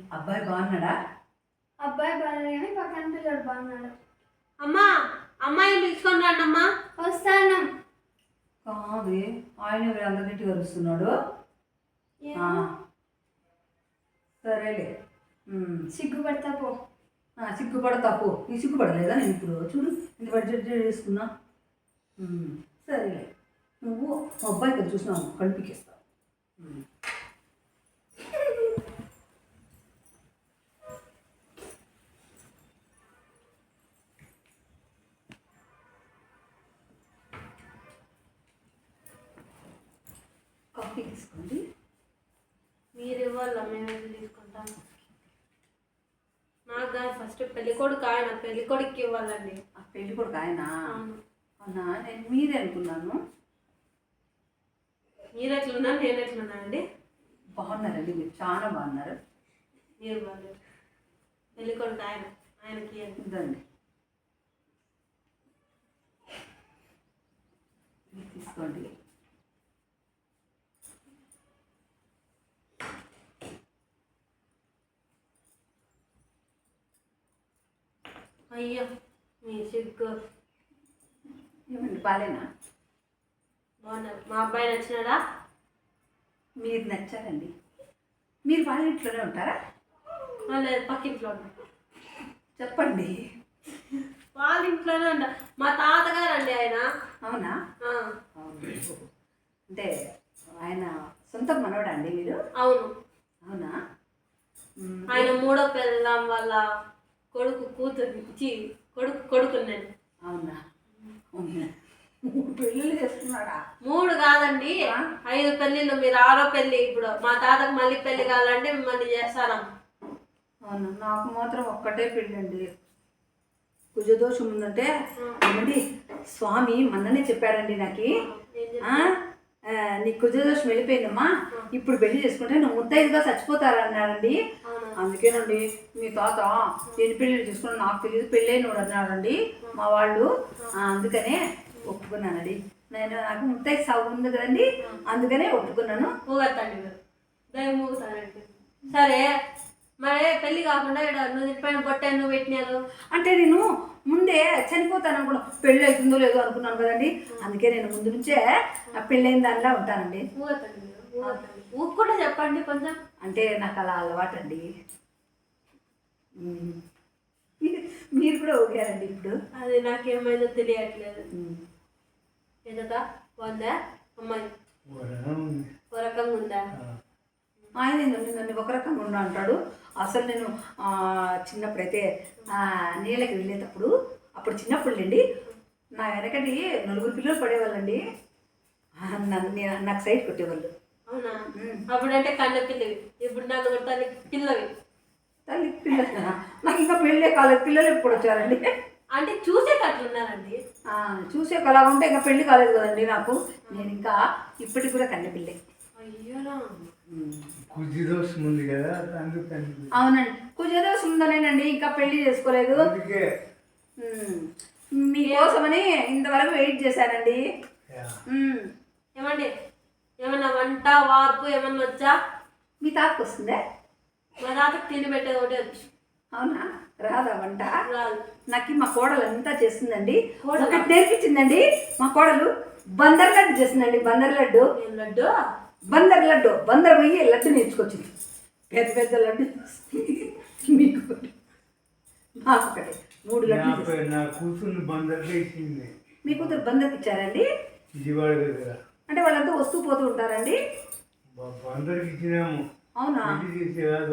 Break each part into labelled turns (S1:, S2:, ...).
S1: అబ్బాయి బాగున్నాడా?
S2: అబ్బాయి బాగాలేదు కానీ పక్కన పిల్లడు బాగున్నాడు.
S3: అమ్మా, అమ్మాయిని పిలుచుకొని రండి అమ్మా.
S2: వస్తాను.
S1: కాదు, ఆయన అందరినీ కలుస్తున్నాడు. సరేలే,
S2: సిగ్గుపడతా పో.
S1: సిగ్గుపడతా పో. నీ సిగ్గుపడలేదా? నేను ఇప్పుడు చూడు ఇంత బడ్జెట్ చేసుకున్నా. సరేలే, నువ్వు అబ్బాయి కదా చూసినావు, కల్పికేస్తావు. కాఫీ తీసుకోండి.
S3: మీరు ఇవ్వాలా? మేము ఎందుకు తీసుకుంటాం? నాకు కాదు, ఫస్ట్ పెళ్లి కొడుకు ఆయన, పెళ్లి కొడుకు ఇవ్వాలండి.
S1: ఆ పెళ్లి కొడుకు ఆయన? అవునా, నేను మీరే అనుకున్నాను.
S3: మీరు ఎట్లున్నా నేను ఎట్లున్నా అండి?
S1: బాగున్నారండి, మీరు చాలా బాగున్నారు.
S3: మీరు బాగాలేదు. పెళ్లి కొడుకు ఆయన, ఆయనకి
S1: ఇదండి తీసుకోండి.
S3: అయ్యో, మీ సిగ్గు.
S1: ఏమండి, బాలేనా?
S3: బాగున్నారు. మా అబ్బాయి నచ్చినాడా?
S1: మీరు నచ్చారండి. మీరు వాళ్ళ ఇంట్లోనే ఉంటారా?
S3: లేదు, పక్కింట్లో ఉన్నా.
S1: చెప్పండి.
S3: వాళ్ళ ఇంట్లోనే ఉంటా. మా తాతగారు అండి ఆయన.
S1: అవునా? అంటే ఆయన సొంత మనవడా అండి మీరు?
S3: అవును.
S1: అవునా?
S3: ఆయన మూడో పెళ్ళాం వాళ్ళ కొడుకు కూతురు కొడుకు నేను.
S1: అవునా? పెళ్ళిళ్ళు చేస్తున్నాడా?
S3: 3 కాదండి, 5 పెళ్ళిళ్ళు. మీరు 6వ పెళ్ళి. ఇప్పుడు మా తాతకు మళ్ళీ పెళ్లి కావాలంటే మిమ్మల్ని చేస్తారా?
S1: అవును, నాకు మాత్రం ఒక్కటే పెళ్ళండి. కుజదోషం ఉందంటే ఏమండి, స్వామి మొన్ననే చెప్పాడండి నాకు, నీ కుజదోషం వెళ్ళిపోయిందమ్మా, ఇప్పుడు పెళ్లి చేసుకుంటే నువ్వు ముత్తైదుగా చచ్చిపోతారన్నాడండి. అందుకేనండి మీ తాత ఎన్ని పెళ్ళిళ్ళు చేసుకున్నా నాకు తెలియదు, పెళ్ళైనోడు అన్నాడండి మా వాళ్ళు. అందుకనే ఒప్పుకున్నానండి. నాకు ముత్తైదు సాగు ఉంది కదండి, అందుకనే ఒప్పుకున్నాను.
S3: ఊగత్తండి మీరు, దయ ఊగుతానండి. సరే, మరి పెళ్లి కాకుండా ఇక్కడ నువ్వు తిప్పిన బొట్ట నువ్వు పెట్టినారు
S1: అంటే నేను ముందే చనిపోతాను అనుకున్నా, పెళ్ళి అవుతుందో లేదో అనుకున్నాను కదండి. అందుకే నేను ముందు నుంచే పెళ్ళైన దానిలా ఉంటానండి.
S3: ఊగత్తండి మీరు, ఊగత్తండి. ఊగకుండా చెప్పండి కొంచెం. అంటే
S1: నాకు అలా అలవాటండి. మీరు కూడా ఊగారండి ఇప్పుడు.
S3: అది నాకేమైందో తెలియట్లేదు. ఎందుకా బాగుందా అమ్మాయి? ఒక రకంగా ఉందా?
S1: ఆయన నన్ను ఒక రకంగా ఉండా అంటాడు. అసలు నేను చిన్నప్పుడైతే నీళ్ళకి వెళ్ళేటప్పుడు, అప్పుడు చిన్నప్పుడులేండి, నా వెనకటి 4 పిల్లలు పడేవాళ్ళండి. నాకు సైడ్ కొట్టేవాళ్ళు.
S3: అవునా? అప్పుడంటే కన్న పిల్లవి, ఇప్పుడు నాకు తల్లి పిల్లవి.
S1: తల్లి పిల్ల నాకు ఇంకా పెళ్ళే కాలేదు. పిల్లలు ఎప్పుడు వచ్చారండి?
S3: అంటే చూసేటట్లున్నారండి.
S1: చూసే అలా ఉంటే ఇంకా పెళ్ళి కాలేదు కదండి నాకు. నేను ఇంకా ఇప్పటికి కూడా కన్న పిల్లే.
S3: అయ్యోనా,
S4: కుజదోషం ఉంది కదా,
S1: అవునండి, కుజదోషం ఉందనేనండి ఇంకా పెళ్లి చేసుకోలేదు. మీకోసమని ఇంతవరకు వెయిట్ చేశానండి.
S3: ఏమండి, ఏమన్నా వంట వార్పు ఏమన్నా వచ్చా?
S1: మీ తాతకు వస్తుందే?
S3: మా తాతకు తిండి పెట్టేది ఒకటే వచ్చు.
S1: అవునా? రాదా వంట?
S3: రాదు.
S1: నాకు మా కోడలు అంతా చేస్తుందండి. ఒకటి నేర్పించిందండి మా కోడలు. బందర్ లడ్డు చేసిందండి. బందర్ లడ్డు.
S3: లడ్డు?
S1: బందర్ లడ్డు. బందర్ పోయి లడ్డు నేర్చుకొచ్చింది. పెద్ద పెద్ద లడ్డు మీకు నాకు ఒకటి 3 లడ్డు.
S4: నా కూతురు బందర్లో ఇచ్చింది.
S1: మీ కూతురు బందర్కి ఇచ్చారండి?
S4: విజయవాడ దగ్గర.
S1: అంటే వాళ్ళంతా వస్తూ పోతూ ఉంటారండి?
S4: బందర్కి ఇచ్చినాము.
S1: అవునా?
S4: చేసే కాదు,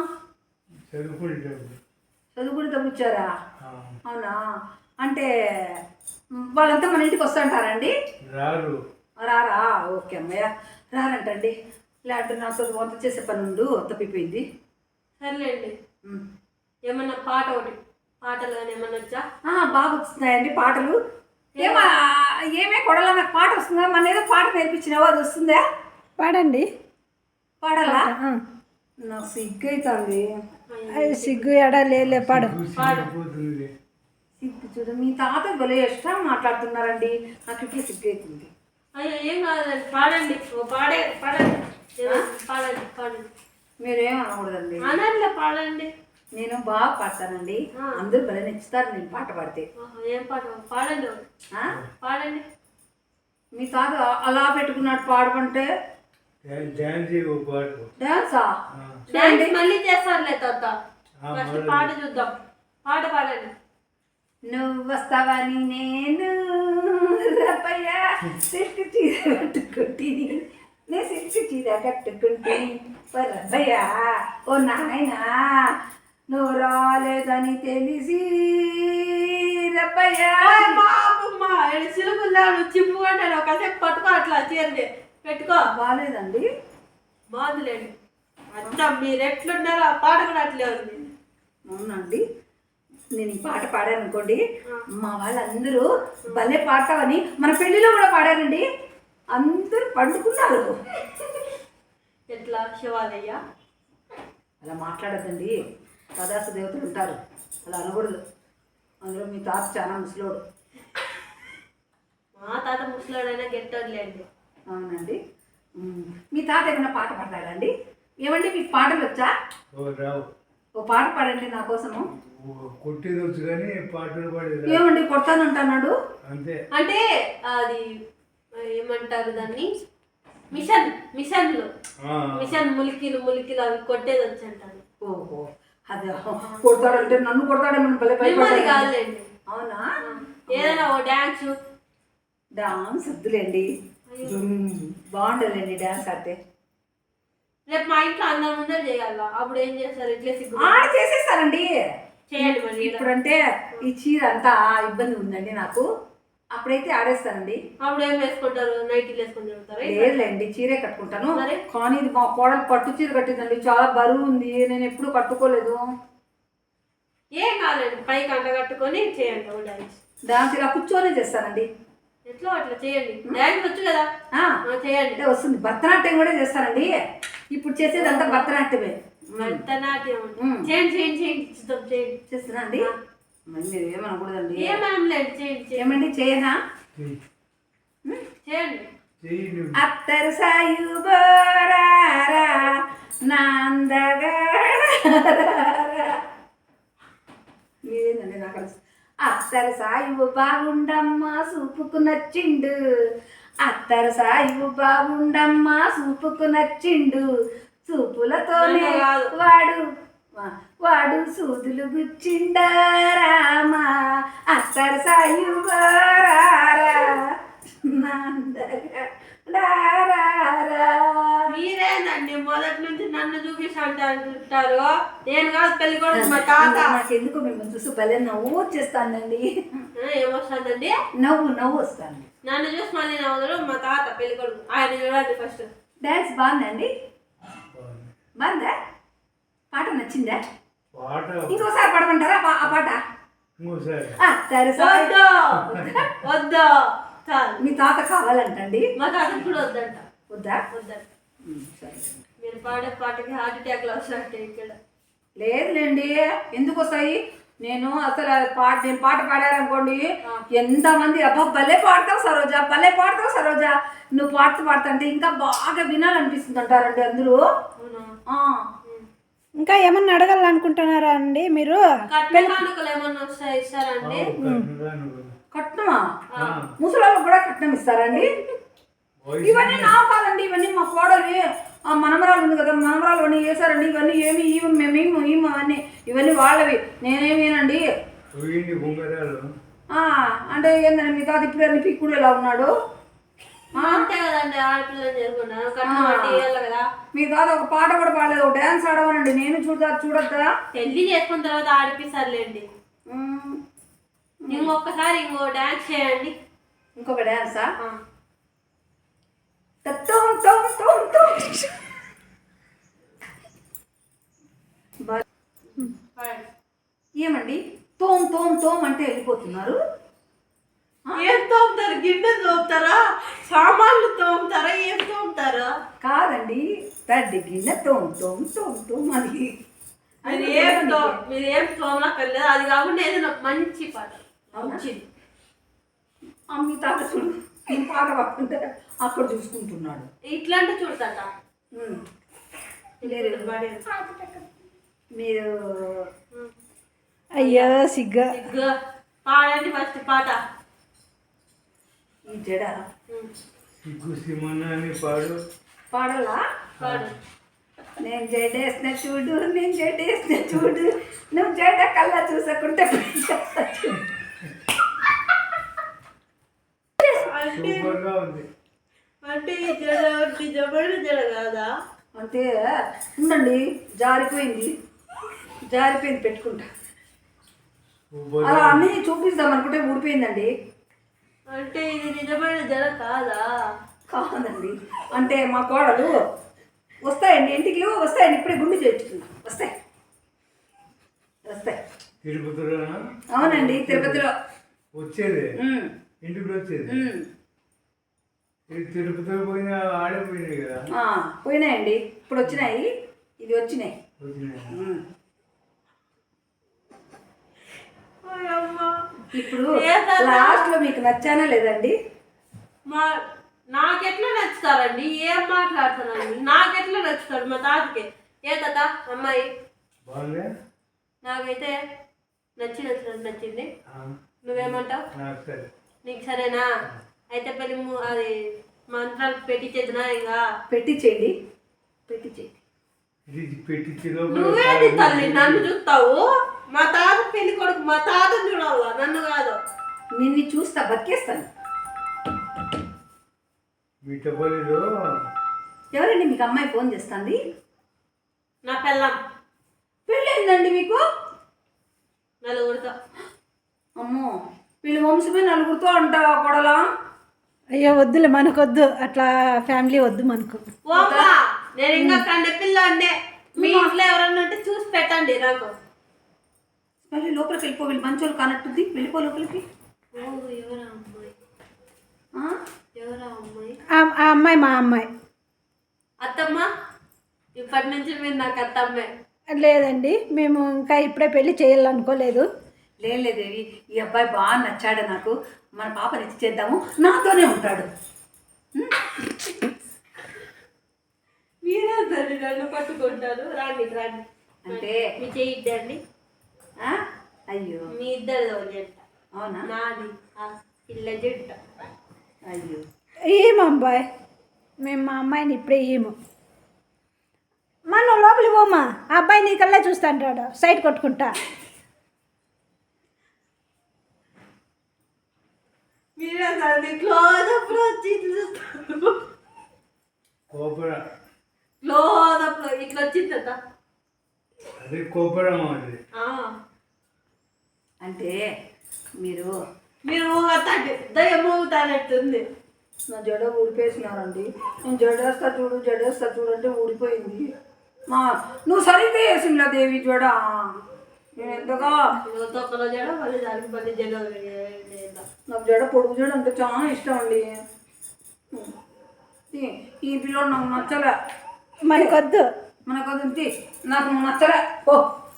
S1: చదువుకునేటప్పుడు ఇచ్చారా? అవునా? అంటే వాళ్ళంతా మన ఇంటికి వస్తుంటారండి?
S4: రారు.
S1: రారా? ఓకే అమ్మయ్య, రారంటండి. లేదంటే నాతో వంట చేసే పని ఉండు, తప్పిపోయింది.
S3: సర్లేండి. ఏమన్నా పాట ఒకటి, పాటలు కానీ ఏమన్నా వచ్చా?
S1: బాగా వస్తున్నాయండి పాటలు. ఏమే కొడలా, నాకు పాట వస్తుందా? మన ఏదో పాట నేర్పించినావో, అది వస్తుందా?
S2: పాడండి.
S1: పాడాలా? నాకు సిగ్గు అవుతుంది.
S2: సిగ్గు ఎడా లేలే, పాడు.
S1: సిగ్గు చూడు, మీ తాత భలే ఎక్స్ట్రా మాట్లాడుతున్నారండి. నాకు ఇట్లా సిగ్గు అవుతుంది.
S3: అయ్యో ఏం కాదండి, పాడండి. పాడండి పాడండి పాడండి.
S1: మీరేం అనకూడదండి.
S3: అనట్లే పాడండి.
S1: నేను బాగా పాడతానండి. అందరూ భలే నచ్చుతారు నేను పాట పాడితే.
S3: ఏం పాట పాడండి
S1: ఆ?
S3: పాడండి.
S1: మీ తాత అలా పెట్టుకున్నాడు పాడమంటే
S4: డ్యాన్స్ చేయవు పాట.
S1: డాన్సా?
S3: డాన్స్ మళ్ళీ చేస్తారులే తాత. ఫస్ట్
S4: మొదలు.
S3: పాట చూద్దాం. పాట పాడండి.
S1: నువ్వు వస్తావని నేను రబ్బయ్య సిల్క్ చీర కట్టుకుంటుని, నేను సిల్క్ చీర కట్టుకుంటుని రబ్బయ్య ఓ నాయనా నువ్వు రాలేదని తెలిసి రబ్బయ్య.
S3: సిలుగుల్లా నువ్వు చింపుకుంటే ఒకసేపు పట్టుకో, అట్లా చేయండి పెట్టుకో.
S1: బాగాలేదండి.
S3: బాగుందిలేండి. అంతా మీరు ఎట్లున్నారో ఆ పాట కూడా అట్లే ఉంది.
S1: అవునండి. నేను ఈ పాట పాడాను అనుకోండి, మా వాళ్ళందరూ భలే పాడతావని మన పెళ్లిలో కూడా పాడారండి. అందరూ పండుకున్నారు.
S3: ఎట్లా శివాలయ్య
S1: అలా మాట్లాడద్దండి. పదార్థ దేవతలు ఉంటారు, అలా అనకూడదు. అందులో మీ తాత చాలా ముసలోడు.
S3: మా తాత ముసలాడైనా గెట్టోడులేండి.
S1: అవునండి. మీ తాత ఏమైనా పాట పాడతాడండి? ఏమండి మీకు పాటలు వచ్చా?
S4: రావు.
S1: ఓ పాట పాడండి నా కోసము.
S4: కొట్టేది వచ్చు కానీ పాటలు పాడేది
S1: ఏమండి కొడతానంటున్నాడు?
S4: అంతే.
S3: అంటే అది ఏమంటారు దాన్ని, మిషన్లు మిషన్ ములికిలు అవి కొట్టేది వచ్చి అంటారు.
S1: ఓహో, అదే కొడతాడంటే నన్ను కొడతాడేమో భలే భయపడతాడు.
S3: కాదులేండి.
S1: అవునా?
S3: ఏదైనా ఓ డాన్స్
S1: వద్దులేండి. బాగుండదులేండి డాన్స్ ఆడితే.
S3: రేపు మా ఇంట్లో అందరి ముందర చేయాలా, అప్పుడు ఏం చేస్తారు? ఇట్లే సిగ్గు
S1: చేసేస్తారండి.
S3: చేయండి మరి.
S1: ఇప్పుడంటే ఈ చీర అంతా ఇబ్బంది ఉందండి నాకు. అప్పుడైతే ఆడేస్తానండి.
S3: అప్పుడు ఏం వేసుకుంటారు? నైటీలు వేసుకొని తిరుగుతారు?
S1: లేదులేండి, చీరే కట్టుకుంటాను.
S3: మరి?
S1: కానీ ఇది మా కోడలు పట్టు చీర కట్టిందండి, చాలా బరువు ఉంది. నేను ఎప్పుడు కట్టుకోలేదు.
S3: ఏం కాదండి, పైకి అంట కట్టుకొని చేయండి ఓ డాన్స్.
S1: డాన్స్ ఇలా కూర్చొని చేస్తానండి.
S3: ఎట్లా అట్లా చేయండి. డాన్స్ వచ్చు కదా, చేయండి.
S1: అంటే వస్తుంది. భరతనాట్యం కూడా చేస్తానండి. ఇప్పుడు చేసేదంతా భరతనాట్యమే.
S3: భరతనాట్యం చేయండి చేయండి చేయండి చూద్దాం. చేయండి.
S1: చేస్తున్నా అండి. మరి మీరు ఏమనకూడదండి.
S3: ఏమనలేదు, చేయండి
S1: ఏమండి చేయనా?
S3: చేయండి.
S1: అత్తరు సాయు బోరారా నాందగారా. మీరేందండి నాకు అత్తరు సాయువు బాగుండమ్మా సూపుకు నచ్చిండు. అత్తరు సాయువు బాగుండమ్మా సూపుకు నచ్చిండు. చూపులతోనే వాడు సూదులు గుచ్చిండారామా. అత్తరు సాయువు
S3: మీరేనండి మొదటి నుంచి నన్ను చూపిస్తా అంటారు. నేను కాదు పెళ్లి కూడా మా తాత.
S1: నాకు ఎందుకు మిమ్మల్ని చూసి భలే నవ్వు వచ్చేస్తానండి.
S3: ఏమొస్తుందండి?
S1: నవ్వు వస్తాను.
S3: నన్ను చూసి మళ్ళీ నవ్వుతారు మా తాత పెళ్లి కొడుకు. ఆయన చూడండి ఫస్ట్.
S1: డాన్స్ బాగుందండి. బాగుందా? పాట నచ్చిందా? ఇంకోసారి పాడమంటారా ఆ పాట?
S3: వద్దా
S1: మీ తాత కావాలంటండి.
S3: మా తాతకు కూడా వద్దంట.
S1: వద్దా?
S3: వద్దంట.
S1: సరే.
S3: మీరు పాడే పాటకి హార్ట్ అటాక్లు వస్తాయంటే ఇక్కడ.
S1: లేదులేండి, ఎందుకు వస్తాయి? నేను అసలు నేను పాట పాడారనుకోండి, ఎంతమంది అబ్బా భలే పాడతావు సరోజా, భలే పాడతావు సరోజా, నువ్వు పాడుతా అంటే ఇంకా బాగా వినాలనిపిస్తుంది అంటారండి అందరూ.
S2: ఇంకా ఏమన్నా అడగాలనుకుంటున్నారా అండి మీరు?
S3: కానుకలు ఏమన్నా ఇస్తారండి?
S1: కట్నమా? ముసలాళ్ళకు కూడా కట్నం ఇస్తారండి? ఇవన్నీ నా కాదండి, ఇవన్నీ మా కోడలి ఆ మనమరాలు ఉంది కదా, మనమరాలు అన్నీ వేసారండి. ఇవన్నీ ఏమి మేము అన్నీ ఇవన్నీ వాళ్ళవి, నేనేమేనండి. అంటే ఏంటంటే మీ తాత ఇప్పుడు అన్ని పిక్కుడు ఎలా ఉన్నాడు?
S3: అంతే కదండి, ఆడపిల్లని చేసుకుంటాను కట్నం కదా.
S1: మీ తాత ఒక పాట కూడా పాడలేదు, ఒక డ్యాన్స్ ఆడవనండి. నేను చూడొద్దా?
S3: పెళ్లి చేసుకున్న తర్వాత ఆడిపిస్తారులేండి. ఇంకొకసారి ఇంకో డాన్స్ చేయండి.
S1: ఇంకొక డాన్సా? ఏమండి తోమ్ అంటే వెళ్ళిపోతున్నారు?
S3: ఏం తోముతారు? గిన్నె తోముతారా? సామాన్లు తోముతారా? ఏం తోముతారా?
S1: కాదండి, తడ్డి గిన్నె తోమ్ అది.
S3: మీరు ఏం తోమక్కర్లేదు. అది కాకుండా ఏదైనా మంచి పాట మంచిది.
S1: మీ తాత చూడు పాట పాడుతుంటే అక్కడ చూసుకుంటున్నాడు.
S3: ఇట్లాంటి చూడతాట.
S1: మీరు
S5: అయ్యో సిగ్గా.
S3: సిగ్గు పాడండి ఫస్ట్ పాట.
S1: ఈ జడ
S4: సిగ్గు సిమన్న అని పాడు.
S1: పాడాలా?
S3: పాడు.
S1: నేను జడేసిన చూడు, నేను జడేసిన చూడు, నువ్వు జడ కల్లా చూసకుంటే
S4: సూపర్గా ఉంది.
S3: అంటే ఈ జడ నిజమైన జడ కాదా?
S1: అంటే ఉండండి, జారిపోయింది పెట్టుకుంటా.
S4: సూపర్
S1: అలా అన్నీ చూపిస్తాం అనుకుంటే ఊడిపోయిందండి.
S3: అంటే ఇది నిజమైన జడ కాదా?
S1: కాదండి, అంటే మా కోడలు వస్తాయండి, ఇంటికి వస్తాయండి, ఇప్పుడే గుండు చేర్చుకుంది. వస్తాయి.
S4: తిరుపతిలోనా?
S1: అవునండి, తిరుపతిలో
S4: వచ్చేది
S1: ఉమ్,
S4: ఇంటికి వచ్చేది.
S1: ఉమ్.
S4: ఇది తిరుపతిలో పోయినా ఆడిపోయినాయి కదా.
S1: పోయినాయండి, ఇప్పుడు వచ్చినాయి, ఇది వచ్చినాయి.
S4: వచ్చినాయి.
S1: ఉమ్.
S3: అమ్మా.
S1: ఇప్పుడు
S3: ఏదన్నా?
S1: లాస్ట్లో మీకు నచ్చానా లేదండి?
S3: మా నాకెట్లా నచ్చుతారండి? ఏం మాట్లాడుతున్నారండి? నాకెట్లా నచ్చుతారు మా తాతకి? ఏ తాత అమ్మాయి
S4: బాగుంది.
S3: నాకైతే నచ్చింది.
S4: ఆ,
S3: నువ్వేమంటావు?
S4: నాకు సరే.
S3: నీకు సరేనా? అయితే పెళ్ళి అది మంత్రాలు పెట్టించేదినా ఇంకా?
S1: పెట్టించేయండి.
S4: ఇది పెట్టించి
S3: నువ్వేంటి తల్లి నన్ను చూస్తావు? మా తాత పెళ్లి కొడుకు, మా తాతను చూడాలా, నన్ను కాదు.
S1: నిన్ను చూస్తా, బతికేస్తాను.
S4: మిట్టపల్లిలో
S1: ఎవరండి మీకు అమ్మాయి ఫోన్ చేస్తుంది?
S3: నా పెళ్ళం
S1: పెళ్ళైందండి మీకు?
S3: నలుగురితో.
S1: అమ్మో, వీళ్ళ వంశమే నలుగురితో అంటావా కొడలా?
S5: అయ్యో వద్దులే, మనకొద్దు అట్లా, ఫ్యామిలీ వద్దు మనకు.
S3: ఓ అమ్మా, నేను ఇంకా కండే పిల్ల అండే. మీ ఇంట్లో ఎవరన్నా ఉంటే చూసి పెట్టండి నాకు.
S1: మళ్ళీ లోపలికి వెళ్ళిపో, వీళ్ళు మంచోళ్ళు కానట్టుంది, వెళ్ళిపో లోపలికి.
S3: ఎవరా అమ్మాయి?
S1: ఆ?
S3: ఎవరా అమ్మాయి?
S5: ఆ అమ్మాయి మా అమ్మాయి.
S3: అత్తమ్మ, ఇప్పటి నుంచి మీరు నాకు అత్తమ్మే.
S5: లేదండి, మేము ఇంకా ఇప్పుడే పెళ్లి చేయాలనుకోలేదు.
S1: లేదేవి, ఈ అబ్బాయి బాగా నచ్చాడు నాకు, మన పాపని ఇచ్చి చేద్దాము, నాతోనే ఉంటాడు.
S3: మీరే తల్లి నన్ను పట్టుకుంటారు. రాండి
S1: అంటే
S3: మీ చెయ్యిద్దండి.
S1: ఆ? అయ్యో,
S3: మీ ఇద్దరు జంట,
S1: అవునా?
S3: నాది ఆ పిల్ల జంట.
S1: అయ్యో,
S5: ఏం అబ్బాయి, మేము మా అమ్మాయిని ఇప్పుడే ఏమో. మనం లోపలికి పోమా, ఆ అబ్బాయి నీకల్లా చూస్తా అంటాడు, సైడ్ కొట్టుకుంటా.
S3: మీరే తల్లి క్లోజప్లో వచ్చి చూస్తారు.
S4: కోపర
S3: క్లోజప్లో ఇట్లా వచ్చిందట.
S4: అదే కోపరం అది.
S1: అంటే మీరు
S3: మీరు ఊగతాండి, దయ్యం ఊగుతానట్టుంది.
S1: నా జడ ఊడిపేసినారండి. నేను జడేస్తా చూడు అంటే ఊడిపోయింది. నువ్వు సరిగ్గా వేసిందా దేవి జడ? నేను ఎంతగా
S3: తొక్కలో జడ, మళ్ళీ దానికి మళ్ళీ జడ.
S1: నాకు జడ పొడుగు జడ అంటే చాలా ఇష్టం అండి. ఈ పిల్లోడు నాకు నచ్చలే.
S5: మనకొద్దు.
S1: మనకు నాకు నచ్చలే. ఓ